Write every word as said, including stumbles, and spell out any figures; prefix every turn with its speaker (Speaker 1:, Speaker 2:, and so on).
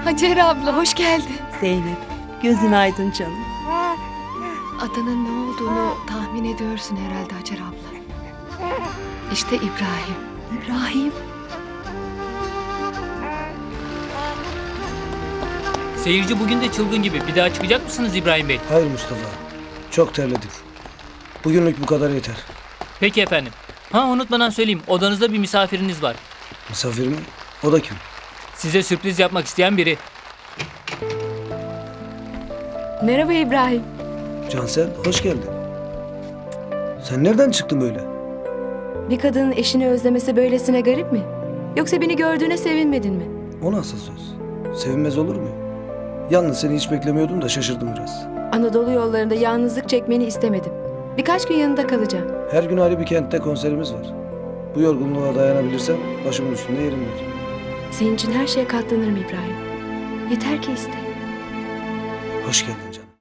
Speaker 1: Hacer abla hoş geldin.
Speaker 2: Zeynep, gözün aydın canım.
Speaker 1: Adının ne olduğunu tahmin ediyorsun herhalde Hacer abla. İşte İbrahim.
Speaker 2: İbrahim,
Speaker 3: Seyirci bugün de çılgın gibi. Bir daha çıkacak mısınız İbrahim Bey?
Speaker 4: Hayır Mustafa. Çok terledik. Bugünlük bu kadar yeter.
Speaker 3: Peki efendim. Ha unutmadan söyleyeyim. Odanızda bir misafiriniz var.
Speaker 4: Misafir mi? O da kim?
Speaker 3: Size sürpriz yapmak isteyen biri.
Speaker 1: Merhaba İbrahim.
Speaker 4: Cansel, hoş geldin. Sen nereden çıktın böyle?
Speaker 5: Bir kadının eşini özlemesi böylesine garip mi? Yoksa beni gördüğüne sevinmedin mi?
Speaker 4: O nasıl söz? Sevinmez olur muyum? Yalnız seni hiç beklemiyordum da şaşırdım biraz.
Speaker 5: Anadolu yollarında yalnızlık çekmeni istemedim. Birkaç gün yanında kalacağım.
Speaker 4: Her gün ayrı bir kentte konserimiz var. Bu yorgunluğa dayanabilirsem başımın üstünde yerim var.
Speaker 5: Senin için her şeye katlanırım İbrahim. Yeter ki iste.
Speaker 4: Hoş geldin canım.